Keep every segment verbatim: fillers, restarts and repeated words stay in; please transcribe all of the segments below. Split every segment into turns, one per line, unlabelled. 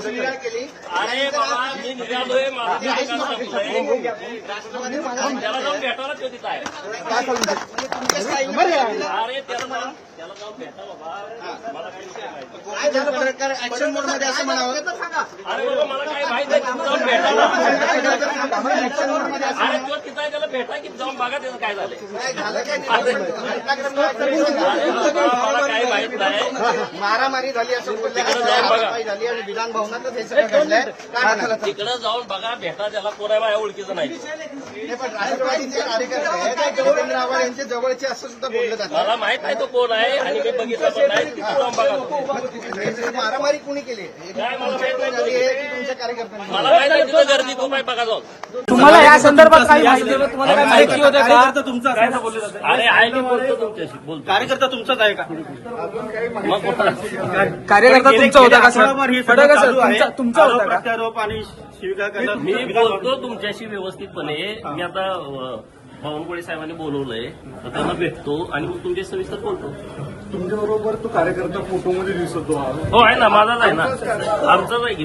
शिवीगाळ केली.
अरे बाबा मी निघालोय माझं तिथे काम संपलंय. त्याला जाऊन भेटायला तो तिथं आहे.
तुमच्या स्थायी-
अरे त्याला मला त्याला जाऊन भेटा बाबा मला काही विषय माहिती.
काय झालं प्रकार ऍक्शन मोड मध्ये असं म्हणावं.
अरे बाबा मला काही माहित नाही तिथं जाऊन भेटायला.
ऍक्शन मोड मध्ये असं
अरे तो तिथं आहे त्याला भेटा की जाऊन बघा त्याचं काय झालंय.
काय झालं काय नाही.
अरे बाबा मला काही माहित नाही.
मारामारी झाली असं बोलल्या
तिकडे जाऊन बघा.
हातापाई झाली आणि विधान भवनातच हे सगळं घडलंय. काय म्हणाल?
तिकडं जाऊन बघा भेटा त्याला कोणा माझ्या ओळखीचं नाही.
हे पण राष्ट्रवादीचे कार्यकर्ते आहेत, जितेंद्र आव्हाड यांचे जवळचे असं सुद्धा बोललं जातं.
मला माहित नाही तो कोण आहे आणि मी बघितलं पण नाही. तिकडे जाऊन बघा तो.
मारामारी कुणी केली?
काय मला माहित नाही.
झाली आहे की तुमच्या कार्यकर्त्यांनी?
मला माहित नाही तिथं गर्दी खूप आहे बघा जाऊन.
तुम्हाला या संदर्भात काही माहिती तुम्हाला काही माहिती होते का?
अरे आहे मी बोलतो तुमच्याशी बोलतो.
कार्यकर्ता तुमचाच आहे का?
मग कुठं?
कार्यकर्ता तुमचा होता का सर?
आठवडाभर हे
फडक
चालू आहे.
तुमचा तुमचा
आरोप
होता का?
प्रत्यारोप आणि शिवीगाळ करतात.
मी बोलतो तुमच्याशी व्यवस्थितपणे. मी आता अ, बावनकुळे साहेबांनी बोलवलंय तर त्यांना भेटतो आणि मग तुमच्या सविस्तर बोलतो.
तुमच्याबरोबर तो कार्यकर्ता फोटोमध्ये दिसतो.
हो आहे ना माझाच आहे ना आमचाच आहे की.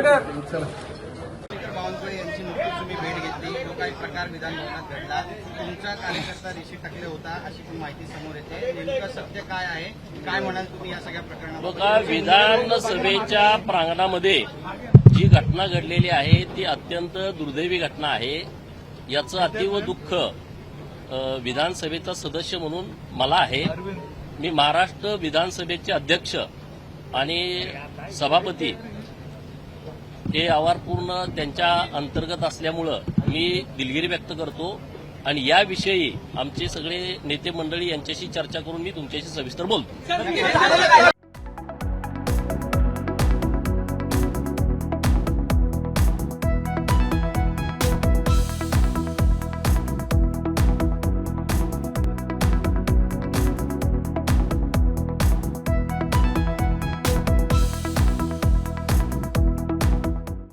बावनकुळे यांची नुकतीच तुम्ही भेट घेतली. जो काही प्रकार विधान भवनात घडला, तुमचा कार्यकर्ता ऋषी टाकले होता अशी पण माहिती समोर येते. नेमकं सत्य काय आहे? काय म्हणाल तुम्ही या सगळ्या प्रकरणात?
बघा विधानसभेच्या प्रांगणामध्ये जी घटना घडलेली आहे ती अत्यंत दुर्दैवी घटना आहे. याचं अतीव दुःख अ, विधानसभेचा सदस्य म्हणून मला आहे. मी महाराष्ट्र विधानसभेचे अध्यक्ष आणि सभापती हे आवारपूर्ण त्यांच्या अंतर्गत असल्यामुळं मी दिलगिरी व्यक्त करतो आणि याविषयी आमचे सगळे नेते मंडळी यांच्याशी चर्चा करून मी तुमच्याशी सविस्तर बोलतो.